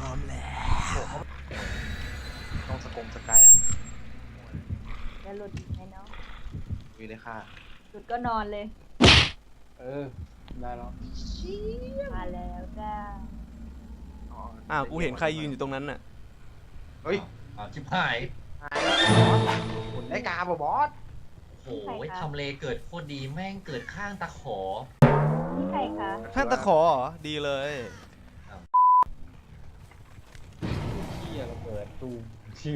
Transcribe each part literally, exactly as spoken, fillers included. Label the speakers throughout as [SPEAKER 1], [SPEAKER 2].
[SPEAKER 1] ร้อมแล้ว
[SPEAKER 2] ต้องสกงสกายอะ
[SPEAKER 3] จะหลุดอีกไหมเนาะ
[SPEAKER 2] วีเลยค่ะ
[SPEAKER 3] หลุดก็นอนเลย
[SPEAKER 4] เออได้แล้ว
[SPEAKER 3] มาแล้วจ้า
[SPEAKER 1] อ้าวกูเห็นใครยืนอยู่ตรงนั้นน่ะ
[SPEAKER 2] เฮ้ย
[SPEAKER 5] อ่าชิบหาย
[SPEAKER 2] หายแล้วบอสได้กาบ่บอส
[SPEAKER 5] โอ้โหทำเลเกิดโคตรดีแม่งเกิดข้างตะขอ
[SPEAKER 3] นี่ใครคะ
[SPEAKER 1] ท่านตะขอเหรอดีเลย
[SPEAKER 4] เที่ยเราเปิดตูชื่อ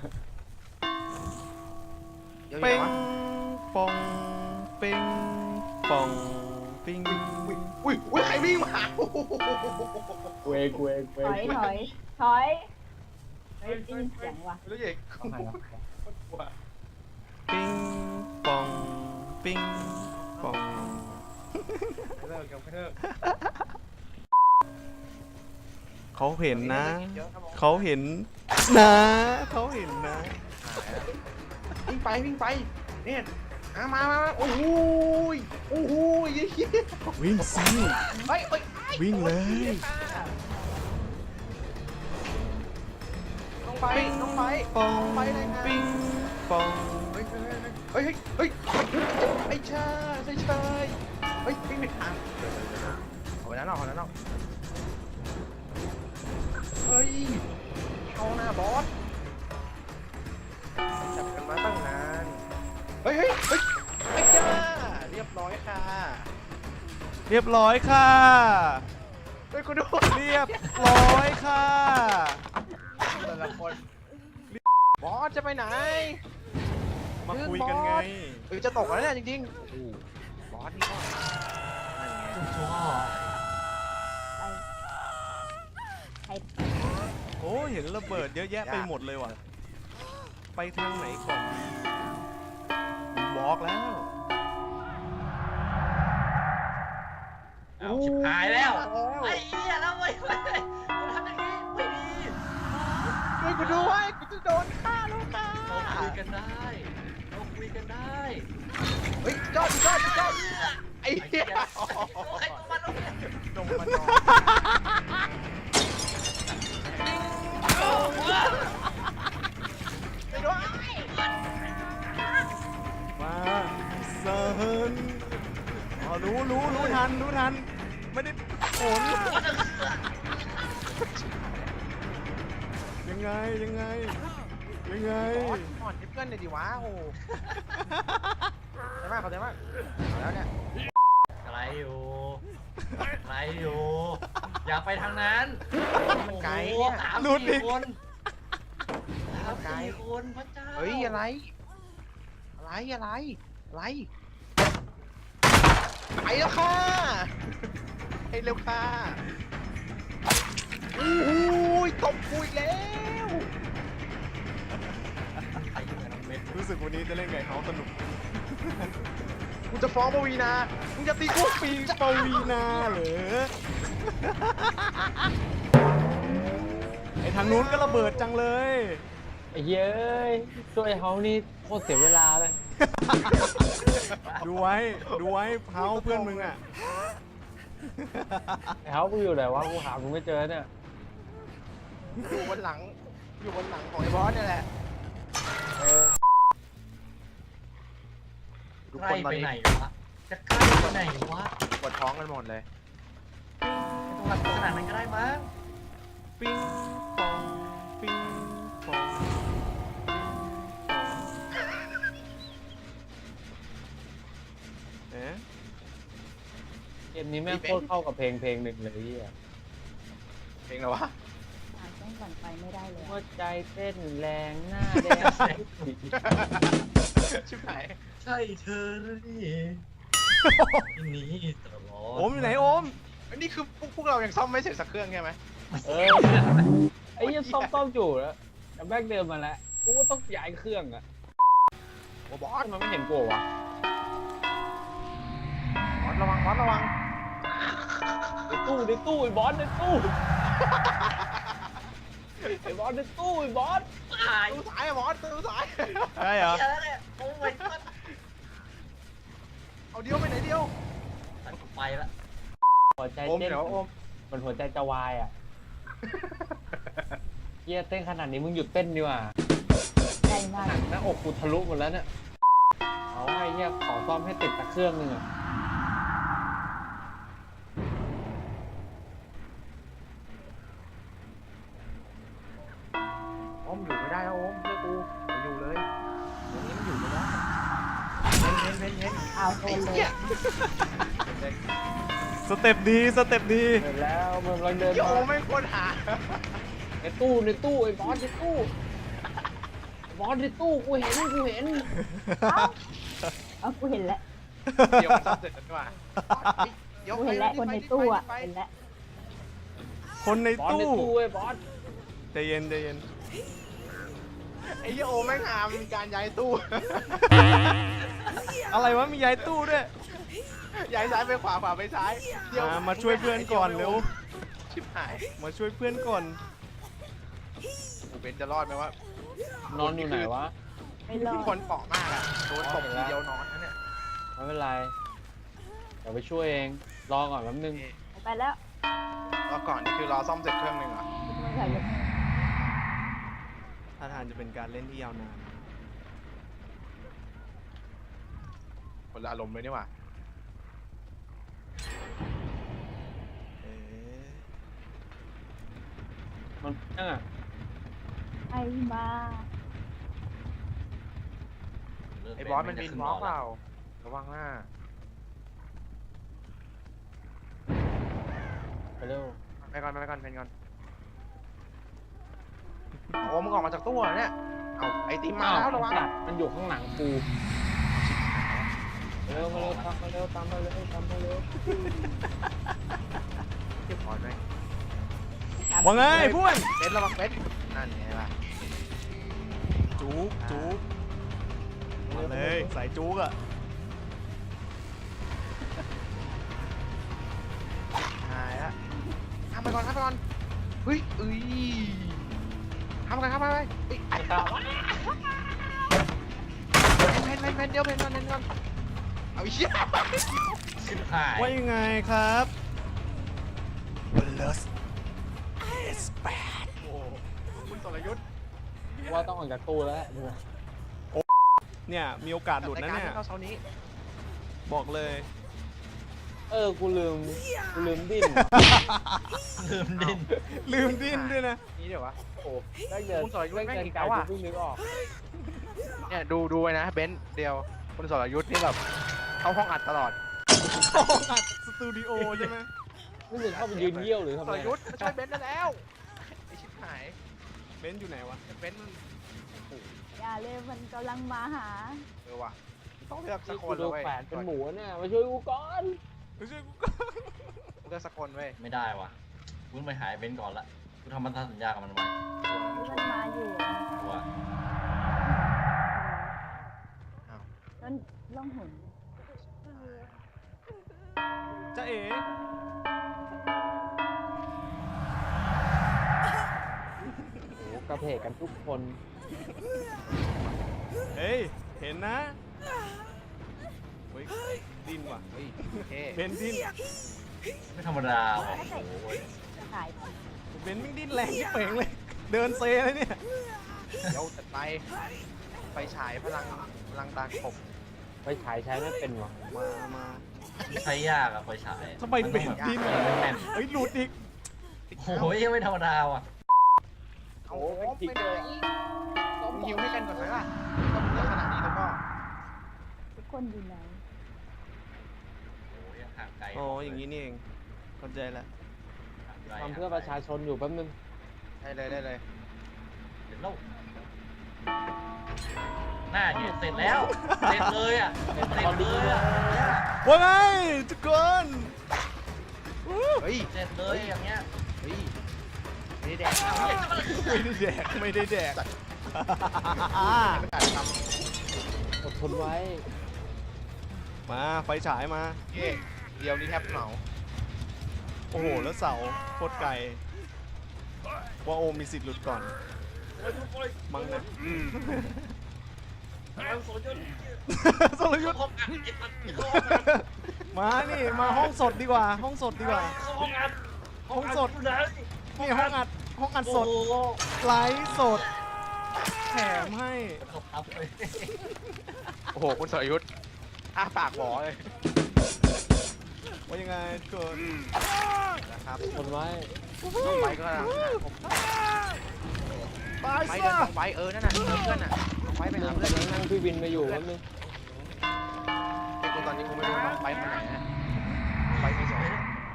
[SPEAKER 2] เดี๋ยว
[SPEAKER 1] เป้ง
[SPEAKER 2] วะ
[SPEAKER 1] ปองเป้งปองปิ้ง
[SPEAKER 2] อุ้ยอุ้ยอุ้ยใครวิ่งมาโอ้โห
[SPEAKER 4] กูเองกูเองกู
[SPEAKER 3] ถ
[SPEAKER 4] เอง
[SPEAKER 3] อยถอยถอยเฮ้ยได้ยินเสียงว่ะ
[SPEAKER 2] แล้วเอก
[SPEAKER 4] เข้ามาแล้ว
[SPEAKER 1] ปิ้งปองปิ้งปอง
[SPEAKER 2] เลิกยังไม่เลิก
[SPEAKER 1] เขาเห็นนะ
[SPEAKER 2] เยอะครับผม
[SPEAKER 1] เขาเห็นนะเขาเห็นนะ
[SPEAKER 2] วิ่งไปวิ่งไปเนี่ยมามามาโอ้โหยโอ้โหยเหี้ย
[SPEAKER 1] วิ่งสิ
[SPEAKER 2] เฮ้ยเฮ้ย
[SPEAKER 1] วิ่งเลย
[SPEAKER 2] น้องไปน้องไป
[SPEAKER 1] ปอง
[SPEAKER 2] ไปเลยนะ
[SPEAKER 1] ปิ้งปอง
[SPEAKER 2] เฮ้ยเฮ้ยเฮ้ยเฮ้ยไอ้ชาไอ้ชายเฮ้ยวิ่งไปทางเอาไปนั้นเอาไปนั้นเอาเฮ้ยเอาหน้าบอสจับกันมาตั้งนานเฮ้ยเฮ้ยเฮ้ยไอ้จ้าเรียบร้อยค่ะ
[SPEAKER 1] เรียบร้อยค่ะ
[SPEAKER 2] เฮ้ยคุณดู
[SPEAKER 1] เรียบร้อยค่ะ
[SPEAKER 2] แต่ละคนบอสจะไปไหน
[SPEAKER 1] มาคุยกันไง
[SPEAKER 2] เฮ้ยจะตกแล้วเนี่ยจริงๆโอ้โหบอสนี่ก็นั่นไง
[SPEAKER 3] ไปใคร
[SPEAKER 1] โอ้เห็นระเบิดเยอะแยะไปหมดเลยว่ะ ไปทางไหนก่อนดีบอกแล้ว
[SPEAKER 5] เอาชิบหายแล้วไอ้เหี้ยแล้วเว้ยเว้ยมันทำอย่างนี้ไม่ดี
[SPEAKER 2] ช่วยกูด้วยกูจะโดนฆ่าแล้วค่ะ
[SPEAKER 5] เราคุยกันได้เราคุยกันได้
[SPEAKER 2] เฮ้ยจอดจอดจอดไอ้
[SPEAKER 5] ไอ้
[SPEAKER 2] เหี้
[SPEAKER 5] เหี้
[SPEAKER 2] ย
[SPEAKER 5] ยใครตัวมันลงเนี่ย
[SPEAKER 2] ลงมานอนไปด้วย
[SPEAKER 1] มาเซิร์นอ๋อรู้รู้รู้ทันรู้ทัน ไม่ได้ผลยังไงยังไงยังไง
[SPEAKER 2] บอสอ่อนให้เพื่อนเลยดิวะโอ้ได้มากเขาได้มากแล้วเนี่ย
[SPEAKER 5] อะไรอยู่อะไรอยู่อย่าไปทางนั้น
[SPEAKER 2] มันไกล
[SPEAKER 5] โอ้โห
[SPEAKER 2] เนี่ย
[SPEAKER 5] สาม
[SPEAKER 1] หลุดอี
[SPEAKER 5] สี่
[SPEAKER 1] ก
[SPEAKER 5] คนสาม
[SPEAKER 2] ไกล
[SPEAKER 5] สี่คนพระเจ้า
[SPEAKER 2] เฮ้ยอะไร อะไรอะไรอะไรไปแล้วค่ะไปเร็วค่ะโอ้ยตบกูอีกแล้ว
[SPEAKER 5] ไอ้เหี้ยน้องเม็ด
[SPEAKER 1] รู้สึกวันนี้จะเล่นไก่เฮาสนุก
[SPEAKER 2] กูจะฟ้องปวีนามึงจะตีกูปี
[SPEAKER 1] ปวีนาเหรอไอทางนู้นก็ระเบิดจังเลย
[SPEAKER 4] ไอ้เย้ยช่วยเขานี่โคตรเสียเวลาเลย
[SPEAKER 1] ดูไว้ดูไว้เฮาเพื่อนมึงอ่ะ
[SPEAKER 4] ไอ้เขากูอยู่ไหนวะกูหากูไม่เจอเนี่ย
[SPEAKER 2] อยู่บนหลัง อยู่บนหลังของไอ้บอสเนี่ยแหละ
[SPEAKER 4] เออ
[SPEAKER 2] ทุก
[SPEAKER 5] ใก
[SPEAKER 2] ค
[SPEAKER 5] ล้
[SPEAKER 2] นตอน
[SPEAKER 5] ไป
[SPEAKER 2] นี้
[SPEAKER 5] ไหนวะจะใกล้ไปไหนวะ
[SPEAKER 2] ปวดท้องกันหมดเลย
[SPEAKER 5] ไม่ต้องรักขนาดนั้นก็ได้มั้ง
[SPEAKER 1] ปิ้งปองปิ้งปองเอ๊ะ
[SPEAKER 4] เกมนี้แม่งโคตรเข้ากับเพลงเพลงหนึ่งเลยไอ้เหี้ย
[SPEAKER 2] เพลงอะไรวะ
[SPEAKER 3] อ่านต้องก่อนไปไม่ได้เลย
[SPEAKER 4] หัวใจเต้นแรงหน้าแดง
[SPEAKER 2] ชิบหาย
[SPEAKER 5] ใช่เธอหรือนี่ที่นี้ตลอด
[SPEAKER 1] โอมอยู่ไหนโอม
[SPEAKER 2] อันนี้คือพวกพวกเรายังซ่อมไม่เสร็จสักเครื่องใช่ไหม
[SPEAKER 4] เออไอ้เหี้ยังซ่อมซ่อมจู่แล้วแต่แม่งเดินมาแล้วกูก็ต้องย้ายเครื่องอะ
[SPEAKER 2] โอ้บอส
[SPEAKER 4] มันไม่เห็นกูวะ
[SPEAKER 2] บอสระวังบอสระวัง
[SPEAKER 4] ในตู้ในตู้ไอ้บอสในตู้ไอ้บอสในตู้ไอ้บอส
[SPEAKER 5] ตาย
[SPEAKER 2] ตู้สายอะบอสตู้สาย
[SPEAKER 1] ใช่เหรอ
[SPEAKER 5] เหี้ยแล้วเนี่ยโอ้ยก็
[SPEAKER 2] เอาเดียวไปไหนเดียว
[SPEAKER 5] ตัดกูไปละ
[SPEAKER 4] หัวใจ
[SPEAKER 2] โอม
[SPEAKER 4] เต้น
[SPEAKER 2] เดี๋ยวโอม
[SPEAKER 4] มันหัวใจจะวายอ่ะเฮียเต้นขนาดนี้มึงหยุดเต้นดีกว่า
[SPEAKER 3] ใกล้มาก
[SPEAKER 4] หนังหน้าอกกูทะลุหมดแล้วเนี่ยเอาไอ้เฮียขอซ่อมให้ติดตะเครื่องหนึงอะ
[SPEAKER 2] โอมอยู่ไม่ได้แล้วโอมเชื่อกูอย่าอยู่เลยตรงนี้มันอยู่ไม่ได้เพ้นเพ้นเพ้น
[SPEAKER 3] เอาโด
[SPEAKER 2] ไอ้
[SPEAKER 3] นเลย
[SPEAKER 2] เหี้ย
[SPEAKER 1] สเต็ปดีสเต็ปดี
[SPEAKER 4] เห็นแล้วมันกำลังเดิน
[SPEAKER 2] เดี๋ยวโอ
[SPEAKER 4] มาม
[SPEAKER 2] ไม่ควรหา
[SPEAKER 4] ในตู้ในตู้ไอ้บอสในตู้บอสในตู้กูเห็นกูเห็น
[SPEAKER 3] เอาเอากูเห็นแล้ว
[SPEAKER 2] เดี๋ยวมันซ่อมเสร็จแล้วดีกว่าเดี๋ยว
[SPEAKER 3] กู
[SPEAKER 2] ไป
[SPEAKER 3] เห็นแล้วคนในตู้อ่ะ
[SPEAKER 2] ไป
[SPEAKER 3] เห็นแล้ว
[SPEAKER 1] คนใน
[SPEAKER 4] บอสใน
[SPEAKER 1] ตู้
[SPEAKER 4] ตู้ไอ้บอส
[SPEAKER 1] ใจเย็นใจเย็น
[SPEAKER 2] ไอ้เหี้ยโอแม่งหามีการย้ายตู้
[SPEAKER 1] อะไรวะมีย้ายตู้ด้วย
[SPEAKER 2] ย้ายซ้ายไปขวาขวาไปซ้ายเดี๋ยว
[SPEAKER 1] มามาช่วยเพื่อนก่อนเร็ว
[SPEAKER 2] ชิบหาย
[SPEAKER 1] มาช่วยเพื่อนก่อน
[SPEAKER 2] กูเป็นจะรอดไหมวะ
[SPEAKER 4] นอนอยู่ไหนวะ
[SPEAKER 3] ไม่รอ
[SPEAKER 2] ทุกค
[SPEAKER 3] ด
[SPEAKER 2] นเปาะมากอะโดนตบทีเดียวนอนนั่นเนี่ย
[SPEAKER 4] ไม่เป็นไรเดี๋ยวไปช่วยเองรอก่อนแป๊บนึง
[SPEAKER 3] ไปแล้ว
[SPEAKER 2] รอก่อนนี่คือรอซ่อมเสร็จเครื่องหนึ่งเหรอ
[SPEAKER 3] ไม่ใช่เลย
[SPEAKER 1] ท่าทางจะเป็นการเล่นที่ยาวนาน
[SPEAKER 2] คนละอารมณ์เลยนี่หว่า
[SPEAKER 1] เอ๊ะ
[SPEAKER 4] มันนั่งอ่ะ
[SPEAKER 3] ไอ้มา
[SPEAKER 2] ไอ้บอสมันบินบล็อกเปล่าระวังหน้า
[SPEAKER 4] ไปเร็ว
[SPEAKER 2] ไปก่อนไปก่อนเพนก่อนโอ้มึงออกมาจากตู้เหรอเนี่ยเอาไอติมมาแล้วระวัง
[SPEAKER 4] สัตว์มันอยู่ข้างหลังกูเร็วมาเร็วตามมาเร็วตามมาเร็วตามมาเร็ว
[SPEAKER 2] เก็บพอไหม
[SPEAKER 1] ว่าไงพวน
[SPEAKER 2] เบนระวังเบนนั่นไงล่ะ
[SPEAKER 1] จุกจุกมาเลยสายจุกอะ
[SPEAKER 2] หายละทำไปก่อนทำไปก่อนเฮ้ยเอ้ยทำไปทำไปไปเอ้ย
[SPEAKER 4] ตามวะ
[SPEAKER 2] เพนเพนเพนเดี๋ยวเพนก่อนเพนก่อนเอาอีกเชี่ย
[SPEAKER 5] ชิบหาย
[SPEAKER 1] ว่ายังไงครับเวลสเอสแปด
[SPEAKER 2] โอ้คุณสรยุทธ์
[SPEAKER 4] ว่าต้องออกจากตู้แล้ว
[SPEAKER 1] เนี่ยมีโอกาสหลุดนะเนี่ย
[SPEAKER 2] รายการที่เข้าเช้านี้
[SPEAKER 1] บอกเลย
[SPEAKER 4] เออกูลืมกูลืมดิ้น
[SPEAKER 5] ลืมดิ้น
[SPEAKER 1] ลืมดิ้นด้วยนะ
[SPEAKER 2] นี่เดี๋ยววะ
[SPEAKER 4] โอ้ได้เจอ
[SPEAKER 2] คุณสรยุทธ์
[SPEAKER 4] ได้
[SPEAKER 2] แม่ง
[SPEAKER 4] เจอ
[SPEAKER 2] อีก
[SPEAKER 4] ไกล
[SPEAKER 2] แล้ว
[SPEAKER 4] กู
[SPEAKER 2] อะ
[SPEAKER 4] เพิ่งนึกออก
[SPEAKER 2] เนี่ยดูดูไว้นะเบนซ์เดียวคุณสรยุทธ์นี่แบบเข้าห้องอัดตลอด
[SPEAKER 1] ห้องอัดสตูดิโอใช่ไหม
[SPEAKER 4] ไม่รู้เข้าไปยืนเยี่ยวหรือทำ
[SPEAKER 2] ส
[SPEAKER 4] ไม
[SPEAKER 2] รยุทธ์มาช่วยเบนซ์ได้แล้วไอชิบหาย
[SPEAKER 1] เบนซ์อยู่ไหนวะ
[SPEAKER 2] เบนซ์มัน
[SPEAKER 3] อย่าเลยมันกำลังมาหา
[SPEAKER 2] เออว่ะต้องเลือกสั
[SPEAKER 4] นี่
[SPEAKER 2] กค
[SPEAKER 4] กู
[SPEAKER 2] น
[SPEAKER 4] โด
[SPEAKER 2] เลย
[SPEAKER 4] น
[SPEAKER 2] เว้ย
[SPEAKER 4] แขวนเป็นหมูเนี่ยมาช่วยกูก่อน
[SPEAKER 1] ไม่ใช่กูก็
[SPEAKER 2] เลือกสักคนเว้ย
[SPEAKER 5] ไม่ได้ว่ะกูต้องไปหายเบนซ์ก่อนละกูทำพันธสัญญากับมันไว้
[SPEAKER 3] มันมาอยู่
[SPEAKER 5] กูอะ
[SPEAKER 3] ต้นล่องหน
[SPEAKER 1] จะเอ๋
[SPEAKER 4] โอ้กระเพกกันทุกคน
[SPEAKER 1] เฮ้ยเห็นนะเฮ้ยดิ้นว่ะ
[SPEAKER 2] เฮ้ยโอเค
[SPEAKER 1] เบนซ์ดิ้น
[SPEAKER 5] ไม่ธรรมดาว่ะโอ้ย
[SPEAKER 3] ขาย
[SPEAKER 1] เบนซ์ไม่ดิ้นแรงที่เป่งเลย เดินเซเลยเนี่ย
[SPEAKER 2] เดี๋ยวจัดไปไปฉายพลังพลังตาขบ
[SPEAKER 4] ไปฉายใช้ไม่เป็นหรอ
[SPEAKER 1] มามา
[SPEAKER 5] มันใช้ยากอะไฟฉาย
[SPEAKER 1] ทำไมเบนซ์ดิ้น
[SPEAKER 5] มั
[SPEAKER 1] อะ
[SPEAKER 5] ต้องแบบแม่น
[SPEAKER 1] เฮ้ยหลุดอีก
[SPEAKER 5] โอ้ยยังไม่ธรรมดาว่ะ
[SPEAKER 2] เอาโอ้ไปไหนต้องยิวให้กันก่อนไหมล่ะต้องเลือกขนาดนี้แล้วก็
[SPEAKER 3] ทุกคนอยู่ไหน
[SPEAKER 5] โอ้ยยังห่างไกล
[SPEAKER 1] อ๋ออย่างนี้นี่เองเข้าใจแล้ว
[SPEAKER 5] ห่างไกล
[SPEAKER 4] ทำเพื่อประชาชนอยู่แป๊บนึง
[SPEAKER 2] ได้เลยได้เลย
[SPEAKER 5] เสร็จแล้วหน้าเนี่ยเสร็จแล้วเสร็จเลยอะเสร็จเลยอะ
[SPEAKER 1] ว่าไงทุกคน
[SPEAKER 2] เฮ้ย
[SPEAKER 5] เสร็จเลยอย่างเงี้ย
[SPEAKER 2] เฮ้ยไม่ได้แดก
[SPEAKER 1] ไม่ได้แดกไม่ได้แดก
[SPEAKER 2] ไม่ตัดค
[SPEAKER 4] อดทนไว้
[SPEAKER 1] มาไฟฉายมา
[SPEAKER 2] ำเย่เดียวนี้แทบเหมา
[SPEAKER 1] โอ้โหแล้วเสาโคตรไกลว่าโอมมีสิทธิ์หลุดก่อนมั้งนะ
[SPEAKER 2] อืม
[SPEAKER 1] สรยุทธ์มานี่มาห้องสดดีกว่า ห้องสดดีกว่า ห้องสดนี่ห้องอัดห้องอัดสด
[SPEAKER 5] โอ้โห
[SPEAKER 1] ไลฟ์สดแถมให้
[SPEAKER 5] เขาพับเลย
[SPEAKER 2] โอ้โหคุณสรยุทธ์อ้าปากหวอเลย
[SPEAKER 1] ว่ายังไงเกิด
[SPEAKER 2] นะครับ
[SPEAKER 4] คนไว้
[SPEAKER 2] ต้องไปก็ได้ผม
[SPEAKER 1] ตาย
[SPEAKER 2] ไป
[SPEAKER 1] ซะ
[SPEAKER 2] เดินต้องไปเออนั่นน่ะเจอเพื่อนน่ะต้องไปไปหาเพื่อน
[SPEAKER 4] นั่งพี่วินมาอยู่แป๊บนึง
[SPEAKER 2] ไอ้กูตอนนี้กูไม่รู้ว่าน้องไปคนไหนนะไปไม่สอง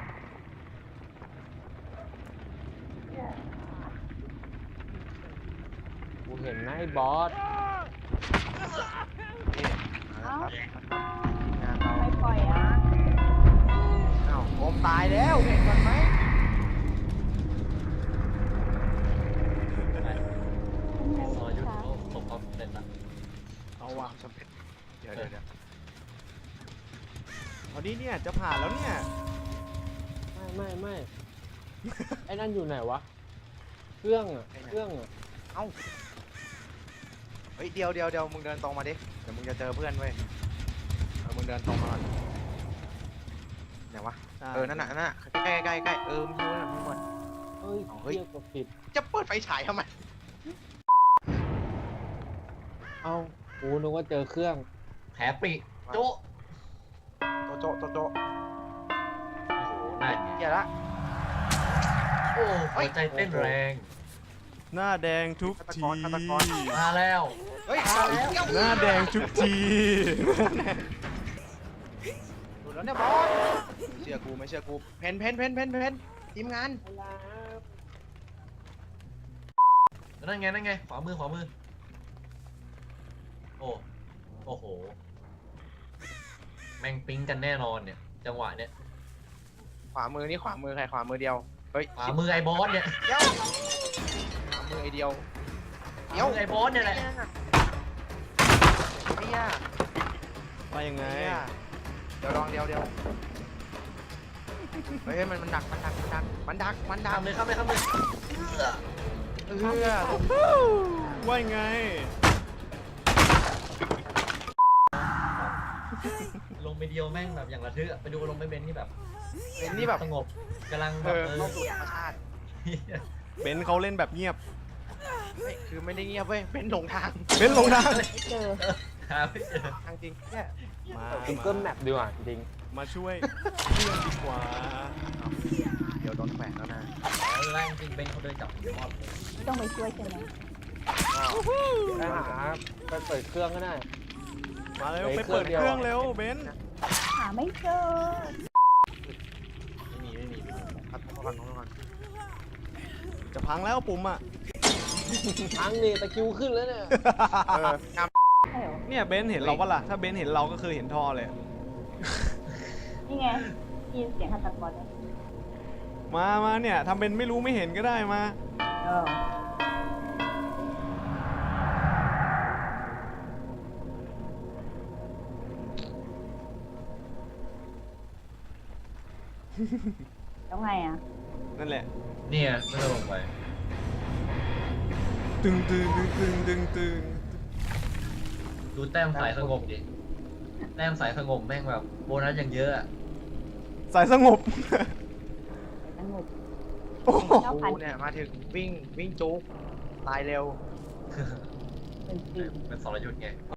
[SPEAKER 4] กูเห็นนะไอ้บอส
[SPEAKER 2] นี่นะครับงานเรา
[SPEAKER 3] ไม่ปล่อยอ่ะ
[SPEAKER 2] อ้าวโอมตายแล้วเห็นก่อนไหม
[SPEAKER 5] ซอยยุทธเขาตกความสำเร็จละ
[SPEAKER 1] เอาว่ะ
[SPEAKER 2] สำเร็จเดี๋ยวเดี๋ยวเดี๋ยว
[SPEAKER 1] เอานี้เนี่ยจะผ่านแล้วเนี่ย
[SPEAKER 4] ไม่ไม่ไม่ไอ้นั่นอยู่ไหนวะเครื่องอ่ะเครื่องอ่ะ
[SPEAKER 2] เอ้าเฮ้ยเดี๋ยวเดี๋ยวเดี๋ยวมึงเดินตรงมาดิเดี๋ยวมึงจะเจอเพื่อนเว้ยเออมึงเดินตรงมาก่อนไหนวะเออนั่นน่ะนั่นน่ะใกล้ใกล้ใกล้เออมึงดูนะมึงหมด
[SPEAKER 4] เฮ้ย
[SPEAKER 2] เอาเฮ้ย
[SPEAKER 4] เรียกกดผิด
[SPEAKER 2] จะเปิดไฟฉายทำไม
[SPEAKER 4] เอ้ากูนึกว่าเจอเครื่อง
[SPEAKER 5] แผลปริโจ๊ะ
[SPEAKER 2] โตโจโตโจ
[SPEAKER 5] โอ้โหนั่นไง
[SPEAKER 2] เหี้ยละ
[SPEAKER 5] โอ้หัวใจเต้นแรง
[SPEAKER 1] หน้าแดงทุกที
[SPEAKER 2] ฆาตกรฆาตกร
[SPEAKER 5] มาแล้ว
[SPEAKER 2] เฮ้ย
[SPEAKER 5] มาแล้ว
[SPEAKER 1] หน้าแดงทุกที
[SPEAKER 2] ดูแล้วเนี่ยบอสเชื่อกูไม่เชื่อกูเพนเพนเพนเพนเพนทีมงาน
[SPEAKER 5] นั่นไงนั่นไงขวามือขวามือโอ้โอ้โหแม่งปิ๊งกันแน่นอนเนี่ย จังหวะเนี่ย
[SPEAKER 2] ขวามือนี่ขวามือใครขวามือเดียวเฮ้ย
[SPEAKER 5] ขวามือไอ้บอสเนี่ย
[SPEAKER 2] เดี๋ยวขวามือไอเดียว
[SPEAKER 5] ขวามือไอ้บอสเนี่ยแหละ
[SPEAKER 2] ไอ้ย่า
[SPEAKER 1] ไปยังไง
[SPEAKER 2] ไอ้ย่าเดี๋ยวลองเดียวเดียวเฮ้ยมันมันดักมันดักมันดักมันดักมันดั
[SPEAKER 5] ข้าก มเลยข้ามเลยข้ามเลย
[SPEAKER 2] เออ
[SPEAKER 1] ว่ายังไง
[SPEAKER 5] ลงไปเดียวแม่งแบบอย่างระทึกอะไปดูลงไปเบนที่แบบ
[SPEAKER 2] เป็นนี่แบบ
[SPEAKER 5] สงบกำลังแบ
[SPEAKER 2] เอบ อ
[SPEAKER 5] เอ
[SPEAKER 2] เข้า
[SPEAKER 5] อ
[SPEAKER 2] สู่ธรรมชาติ
[SPEAKER 1] เบนซ์เขาเล่นแบบเงียบ
[SPEAKER 2] ไม่คือไม่ได้เงียบเว้ยเป็นหลงทาง
[SPEAKER 1] เบนซ์ลงทาง
[SPEAKER 3] ไม่เจอ
[SPEAKER 5] หาไม่เจอ
[SPEAKER 2] ทางจริงเนี่ย
[SPEAKER 1] มา
[SPEAKER 4] ซิงเกิลแมปดีกว่าจริง
[SPEAKER 1] มาช่วยเพื่อนดีกว่า
[SPEAKER 2] เดี๋ยวโดนแขวนแล้วนะ
[SPEAKER 5] แรงจริงเบนเขาเดินจับมอดเลย
[SPEAKER 3] ไม่ต้องไปช่วยใช่ไหม
[SPEAKER 4] ไปหาไปเปิดเครื่องก็ได้
[SPEAKER 1] มาเร็ว
[SPEAKER 4] เฮ้ย
[SPEAKER 1] ไปเปิด
[SPEAKER 4] เค
[SPEAKER 1] เค
[SPEAKER 4] รื่
[SPEAKER 1] รื่อ
[SPEAKER 4] อง งเดี
[SPEAKER 1] เร็
[SPEAKER 4] ยว
[SPEAKER 1] วเบนซ์
[SPEAKER 3] หาไม่เจอ
[SPEAKER 2] ไม่มีไม่มีไม่มีพัดพัดพัดพัด
[SPEAKER 1] จะพังแล้วปุ่มอ่ะ
[SPEAKER 4] ทั้งนี่ตะคริวขึ้นแล้วเนี่ย
[SPEAKER 2] เอองาม
[SPEAKER 3] ใช่เหรอ
[SPEAKER 1] เนี่ยเบนซ์เห็นเราปะล่ะถ้าเบนซ์เห็นเราก็คือเห็นท่อเลย
[SPEAKER 3] นี่ไงได้ยินเสียงฆาตกรไหม
[SPEAKER 1] มามาเนี่ยทำเป็นไม่รู้ไม่เห็นก็ได้มา
[SPEAKER 3] เออ แล้วไงอ่ะ
[SPEAKER 1] นั่นแหละ
[SPEAKER 5] เนี่ยไม่ต้องลงไป
[SPEAKER 1] ตึงตึงตึงตึงตึงตึง
[SPEAKER 5] ดูแต้มสายสงบดิแต้มสายสงบแม่งแบบโบนัสอย่างเยอะอะ
[SPEAKER 1] สายสงบ
[SPEAKER 3] สงบ
[SPEAKER 1] โอ้โห
[SPEAKER 3] เก้าพัน
[SPEAKER 2] กูเนี่ยมาถึงวิ่งวิ่งจุกตายเร็ว
[SPEAKER 3] เป็นปี
[SPEAKER 5] เป็นสรยุทธ์ไง